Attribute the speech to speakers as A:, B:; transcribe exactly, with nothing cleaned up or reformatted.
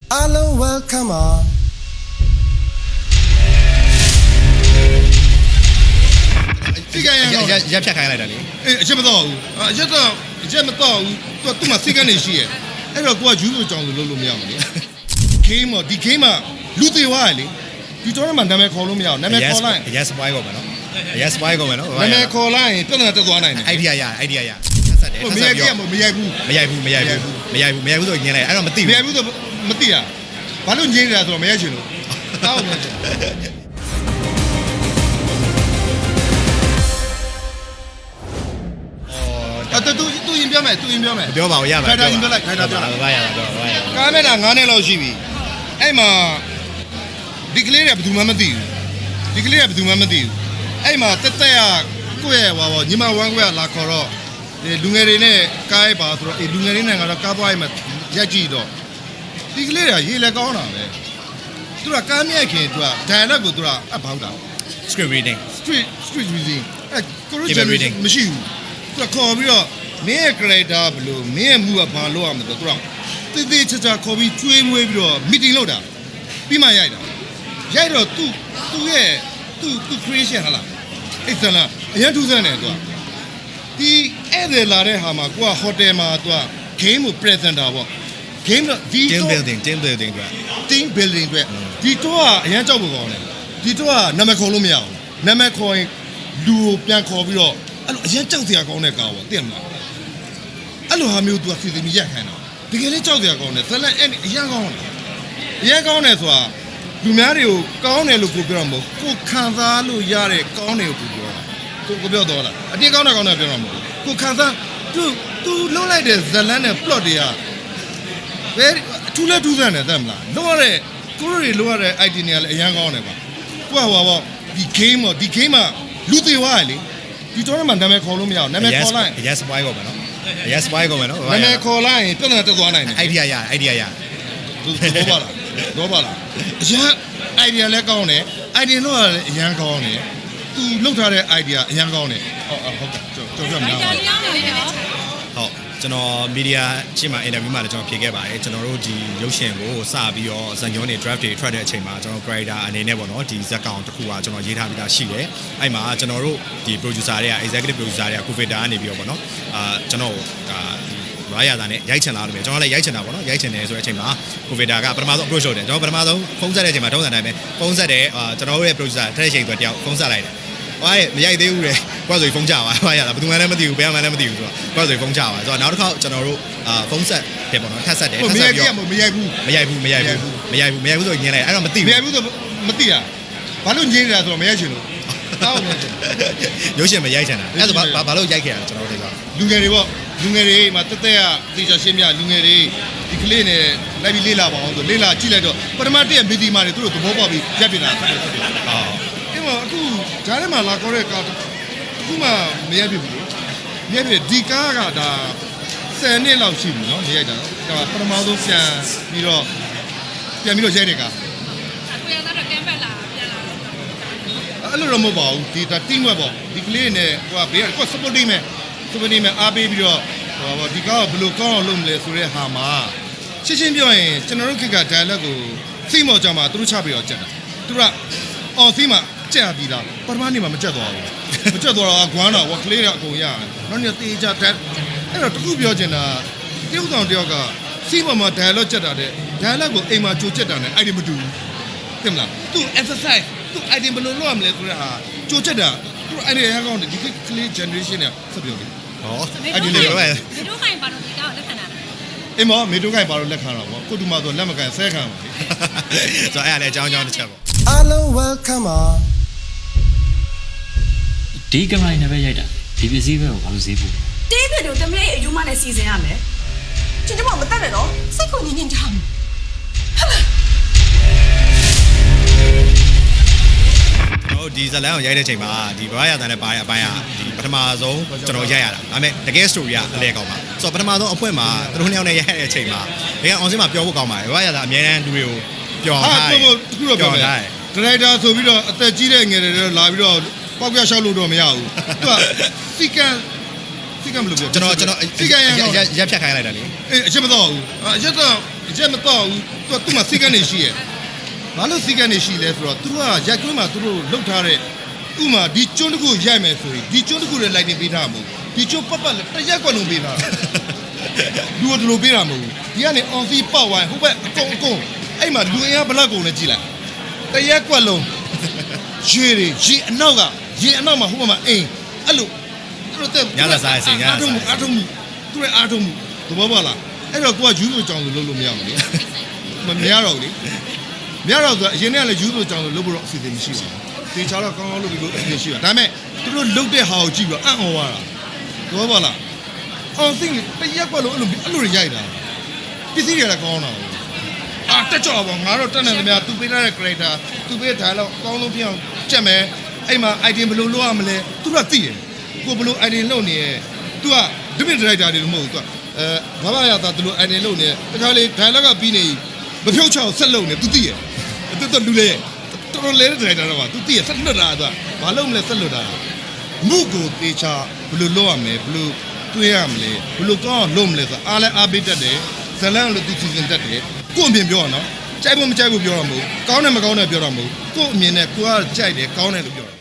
A: Hello, welcome on.
B: စိတ်ကရရရက်ဖြတ်ခိုင်းလိုက်တာလေအေးအချက်မတော့ဘူးအချက်တော့အချက်မတော့ဘူးသူကသူ့မှာစိတ်ကနေရှိရဲ့အဲ့တော့ကိုကယူဆိုကြောင်လို့လုပ်လို့မရဘူးလေ game မဒီ game မှာလူသေးွားရလေဒီတော့မှနာမည်ခေါ်လို့မရဘူးနာမည်ခေါ်လိုက်
C: yes spoil ကုန်မယ်နော် yes spoil ကုန်မယ်နော်
B: နာမည်ခေါ်လိုက်ရင်ပြဿနာတက်သွားနိုင်တယ်
C: idea ရ idea ရဆက်ဆက်တယ်
B: မရိုက်ပြမရိုက်ဘူး
C: မရိုက်ဘူးမရိုက်ဘူးမရိုက်ဘူးမရိုက်ဘူးဆိုညင်းလိုက်အဲ့တော့မသိဘူး
B: မရိုက်ဘူးဆိုမသိရဘာလို့ညင်းနေတာဆိုတော့မရိုက်ချင်လို့တောင်းနေတယ်အဲ့တူတူရင်ပြောမယ်တူရင်ပြောမယ်
C: ပြောပါဦးရပါ
B: ခိုင်တာရင်ပြောလိုက်ခိုင်တာပြောလိုက်
C: ဘာရတာပြောဘာရတာ
B: ကားမဲ့တာနည်းလောက်ရှိပြီအဲ့မှာဒီကလေးတွေကဘယ်သူမှမသိဘူးဒီကလေးကဘယ်သူမှမသိဘူးအဲ့မှာတက်တက်ရကိုယ့်ရဲ့ဟောညီမဝမ်းကွဲလာခေါ်တော့ဒီလူငယ်တွေနဲ့ကားရိုက်ပါဆိုတော့အေးလူငယ်တွေနဲ့ကတော့ကားပွားရိုက်မှာရက်ကြည့်တော့ဒီကလေးတွေကရေးလဲကောင်းတာပဲသူကကားမြက်ခင်သူက dialogue ကိုသူကအပ်ပေါက်တာ
C: script reading
B: street street reading အဲ့ကိုရိုဂျန်မရှိဘူးသူကခေါ်ပြီးတော့မင်းရဲ့ character ဘယ်လိုမင်းရဲ့မှုကဘာလို့ရမလဲသူကတိတိကျကျခေါ်ပြီးကျွေးမွေးပြီးတော့ meeting လုပ်တာပြီးမှရိုက်တာရိုက်တော့သူသူရဲ့သူသူ creation ဟာလားအဲ့ဒါလားအရင်ထူးဆန်းတယ်သူကဒီအဲ့ဒါလာတဲ့ဟာမှာကိုက hotel မှာသူက game ကို presenter ပေါ့ game တော့ဒီ
C: team building team building အတွက်
B: team building အတွက်ဒီတော့ကအရင်ကြောက်ဖို့ကောင်းတယ်ဒီတော့ကနာမည်ခေါ်လို့မရဘူးနာမည်ခေါ်ရင်လူကိုပြန်ခေါ်ပြီးတော့အဲ့လိုအရင်ကြောက်စရာကောင်းတဲ့ကားပေါ့သိရမလားအဲ့လိုဟာမျိုးသူကစီစဉ်ပြီးရက်ခိုင်းတာတကယ်လေးကြောက်စရာကောင်းတယ်ဇလန်အဲ့အရင်ကောင်းတယ်အရင်ကောင်းတယ်ဆိုတာလူများတွေကိုကောင်းတယ်လို့ကိုပြောတာမဟုတ်ကိုခံစားလို့ရတဲ့ကောင်းတယ်ကိုကိုပြောတာကိုကိုပြောတော့လားအတင်းကောင်းတယ်ကောင်းတယ်ပြောတာမဟုတ်ကိုခံစားသူသူလုံးလိုက်တဲ့ဇလန်နဲ့ plot တွေကဘယ်အထူးလဲထူးဆန်းတယ်သိမလားလုံးရတဲ့ကိုရိုတွေလုံးရတဲ့ idea တွေကလည်းအရင်ကောင်းတယ်ပါကိုကဟောပေါ့ဒီ game ပေါ့ဒီ game မှာလူသေးွားရလေဒီတော့မှနာမည်ခေါ်လို့မရဘူးနာမည်ခေါ်လိုက်
C: yes spoil ကုန်မယ်နော် yes spoil ကုန်မယ်နော်
B: နာမည်ခေါ်လိုက်ရင်ပြဿနာတက်သွားနိုင်တယ်
C: idea ရ idea ရ
B: တော့ပါလားတော့ပါလားအရင် idea လည်းကောင်းတယ် idea တော့လည်းအရင်ကောင်းတယ်သူလုပ်ထားတဲ့ idea အရင်ကောင်းတယ်ဟုတ်ဟုတ်ကဲ့ကျွန်တော်ပြောမှာဟုတ်
C: ကျွန်တော်မီဒီယာရှင်းမှာ interview မှာလည်းကျွန်တော်ဖြေခဲ့ပါတယ်ကျွန်တော်တို့ဒီရုပ်ရှင်ကိုစပြီးတော့ဇာတ်ကြောတွေ draft တွေထွက်တဲ့အချိန်မှာကျွန်တော် creator အနေနဲ့ပေါ့နော်ဒီဇာတ်ကောင်တစ်ခုကကျွန်တော်ရေးထားပြီးသားရှိတယ်အဲ့မှာကျွန်တော်တို့ဒီ producer တွေက executive producer တွေက co-founder ကနေပြီးတော့ပေါ့နော်အာကျွန်တော်ဒါဘာရတာနဲ့ရိုက်ချင်လာလို့ပဲကျွန်တော်လည်းရိုက်ချင်တာပေါ့နော်ရိုက်ချင်တယ်ဆိုတဲ့အချိန်မှာ co-founder ကပထမဆုံး approach လုပ်တယ်ကျွန်တော်ပထမဆုံးဖုန်းဆက်တဲ့အချိန်မှာတုံးစံတိုင်းပဲဖုန်းဆက်တယ်အာကျွန်တော်တို့ရဲ့ producer တဲ့ချိန်ဆိုတယောက်ဖုန်းဆက်လိုက်တယ်ဟိုမရိုက်သေးဘူးလေကွာဆိုဖုန်းချပါဘာရတာဘယ်သူမှလည်းမသိဘူးဘယ်မှလည်းမသိဘူးဆိုတော့ကွာဆိုဖုန်းချပါဆိုတော့နောက်တစ်ခါကျွန်တော်တို့အာဖုန်းဆက်တယ်ပေါ့နော်ထပ်ဆက်တယ်ထပ်ဆက်ပြီးတော့
B: မရိုက်ဘူး
C: မရိုက်ဘူးမရိုက်ဘူးမရိုက်ဘူးမရိုက်ဘူးဆိုညင်းလိုက်အဲ့တော့မသိဘူး
B: မရိုက်ဘူးဆိုမသိရဘာလို့ညင်းနေတာဆိုတော့မရိုက်ချင်လို့တောင်းနေတယ်
C: ရုပ်ရှင်မရိုက်ချင်တာအဲ့ဒါဘာဘာလို့ရိုက်ခဲ့တာကျွန်တော်တို့က
B: လူငယ်တွေပေါ့လူငယ်တွေမှာတက်တက်ရသေချာရှင်းပြလူငယ်တွေဒီကလေးနဲ့လိုက်ပြီးလေးလာပါအောင်ဆိုလေးလာကြည့်လိုက်တော့ပထမတည့်ရမီဒီမာတွေသူတို့သဘောပေါက်ပြီးရက်ပြနေတာဟုတ်ဟုတ်ဟုတ်အဲ့မှာအခုဂျားထဲမှာလာခေါ်တဲ့ကားအခုမှမရိုက်ဖြစ်ဘူးမရိုက်ဖြစ်ဒီကားကဒါဆယ်နှစ်လောက်ရှိပြီနော်မရိုက်တာဒါပထမဆုံးပြန်ပြီးတော့ပြန်ပြီးတော့ရိုက်တဲ့ကား
D: ကိုရတော့ကမ်ဘက်လာပြန်လာ
B: အဲ့လိုတော့မဟုတ်ပါဘူးဒီဒါ team work ပေါ့ဒီကလေးနဲ့ဟိုကဘေးကကို supporting မဲ့ supporting မဲ့အားပေးပြီးတော့ဟိုဒီကားကဘယ်လိုကောင်းအောင်လုပ်မလဲဆိုတဲ့ဟာမှာရှင်းရှင်းပြောရင်ကျွန်တော်တို့ခေတ်က dialogue ကိုသိမော်ကြမှာသူတို့ချပြီးတော့ကြက်တာသူကအော်သိမှာကြက်ပြီးသားပထမနေ့မှာမကြက်သွားဘူးမကြက်သွားတော့ဂွမ်းတော့ဝကလေးတော့အကုန်ရတယ်နောက်နေ့တေးကြတက်အဲ့တော့တခုပြောချင်တာတယောက်ဆောင်တယောက်ကစီးပေါ်မှာ dialogue ကြက်တာတဲ့ dialogue ကိုအိမ်မှာကြိုကြက်တာနဲ့အဲ့ဒီမတူဘူးသိမလားသူ exercise သူ item ဘယ်လိုလုပ်ရမလဲဆိုတဲ့ဟာကြိုကြက်တာသူအဲ့ဒီရန်ကောင်းတယ်ဒီကလေး generation နဲ့ဆက်ပြောတယ်
C: ဟောအဲ့ဒီလေးပဲ
D: ဒီတို့ခိုင်ပါတော့ဒီကောက်လက်ခံတာ
B: အိမ်မမေတို့ခိုင်ပါတော့လက်ခံတော့ဗောကိုတူမဆိုလက်မကန်ဆဲခံပါလေ
C: ဆိုတော့အဲ့ဒါလည်းအကြောင်းအကြောင်းတစ်ချက်ပေါ့
A: Hello, welcome on.
E: ဒီကမိုင်းနဲ့ပဲရိုက်တာဒီပစ္စည်းပဲကိုဘာလို့ဈေးပို့
F: တေးပြတို့တမလေးအယူမနဲ့စီစဉ်ရမယ်ကျင်ကျမမတက်နဲ့နော်စိတ်ကိုညင်ညင်ချမ်းဟာလား
C: ကျွန်တော်ဒီဇလန်ကိုရိုက်တဲ့ချိန်မှာဒီဘာရတာနဲ့ပါရအပိုင်းကဒီပထမဆုံးကျွန်တော်ရိုက်ရတာဒါပေမဲ့တကယ် story ကအလဲကောင်းပါဆိုတော့ပထမဆုံးအဖွင့်မှာသူတို့နှစ်ယောက်နဲ့ရိုက်ရတဲ့အချိန်မှာဘယ်က on scene မှာပြောဖို့ကောင်းပါတယ်ဘာရတာအများတန်းလူတွေကိုပျော်ထားတယ်
B: တခုတော့ပြောမယ်ဒါရိုက်တာဆိုပြီးတော့အသက်ကြီးတဲ့ငယ်တွေတော့လာပြီးတော့ပေါက်ပြရှောက်လို့တော့မရဘူးသူကစီကန်စီကန်ဘယ်လိုပြော
C: ကျွန်တော်ကျွန်တော်
B: စီကန်ရ
C: ရက်ဖြတ်ခိုင်းလိုက်တာလေ
B: အေးအချက်မတော့ဘူးအချက်တော့အအချက်မတော့ဘူးသူကသူ့မှာစိတ်ကနေရှိရဲ့ဘာလို့စိတ်ကနေရှိလဲဆိုတော့သူကရိုက်ကွင်းမှာသူတို့လှုပ်ထားတဲ့ဥမာဒီကျွန်းတစ်ခုရိုက်မယ်ဆိုရင်ဒီကျွန်းတစ်ခုလည်းလိုက်နေပေးထားမှာမဟုတ်ဒီကျွန်းပတ်ပတ်လည်းတစ်ရက်ကွက်လုံးပေးထားလူကဒီလိုပေးတာမဟုတ်ဘူးဒီကနေအောင်စီပေါက်ဝိုင်းဟိုဘက်အကုန်အကုန်အဲ့မှာလူအင်အားဘလောက်ကုန်လဲကြည့်လိုက်တစ်ရက်ကွက်လုံးရေတွေရေအနောက်ကရေအနောက်မှာဟိုဘက်မှာအိမ်အဲ့လိုအဲ့လို
C: ညလာစားအစီညလာစား
B: အားထုံးမှုသူရဲ့အားထုံးမှုသဘောပေါက်လားအဲ့တော့ကိုကယူးဆိုကြောင်လို့လုပ်လို့မရဘူးလေမမရတော့ဘူးလေမရတော့ဆိုအရင်ကလည်းယူးဆိုကြောင်လို့လုပ်ဖို့တော့အစီအစဉ်မရှိပါဘူးတေချာတော့ကောင်းကောင်းလုပ်ပြီးလို့အစီအစဉ်ရှိပါဒါပေမဲ့သူတို့လုပ်တဲ့ဟာကိုကြည့်ပြီးတော့အံ့ဩသွားတာသဘောပေါက်လားအောင်သိတရက်ကွက်လို့အဲ့လိုအဲ့လိုရိုက်တာပစ္စည်းတွေကလည်းကောင်းတာအာတက်ကြော်ပါငါတို့တက်နေသမျှသူပေးထားတဲ့ character သူပေးတဲ့ dialogue အကောင်းဆုံးဖြစ်အောင်ချက်မယ်အဲ့မှာ item ဘယ်လိုလုပ်ရမလဲသူကသိတယ်ကိုဘယ်လို item လုပ်နေရဲ့သူက different director တွေမဟုတ်ဘူးသူကအဲဘာမှရတာသူလို item လုပ်နေတခါလေ dialogue ကပြီးနေမဖြုတ်ချအောင်ဆက်လုပ်နေသူသိရဲ့သူတော့လူလေတော်တော်လေး director တော့ပါသူသိရဲ့ဆက်လွတ်တာသူကဘာလုပ်မလဲဆက်လွတ်တာမှုကိုတေချာဘယ်လိုလုပ်ရမလဲဘယ်လိုတွေးရမလဲဘယ်လိုကောင်းအောင်လုပ်မလဲဆိုအားလဲအားပေးတတ်တယ်ဇလန်လို့သူစီစဉ်တတ်တယ်ကို့အမြင်ပြောရအောင်နော်ကြိုက်ဖို့မကြိုက်ဖို့ပြောရမှာမဟုတ်ကောင်းတယ်မကောင်းတယ်ပြောရမှာမဟုတ်ကို့အမြင်နဲ့ကိုကကြိုက်တယ်ကောင်းတယ်လို့ပြောတာ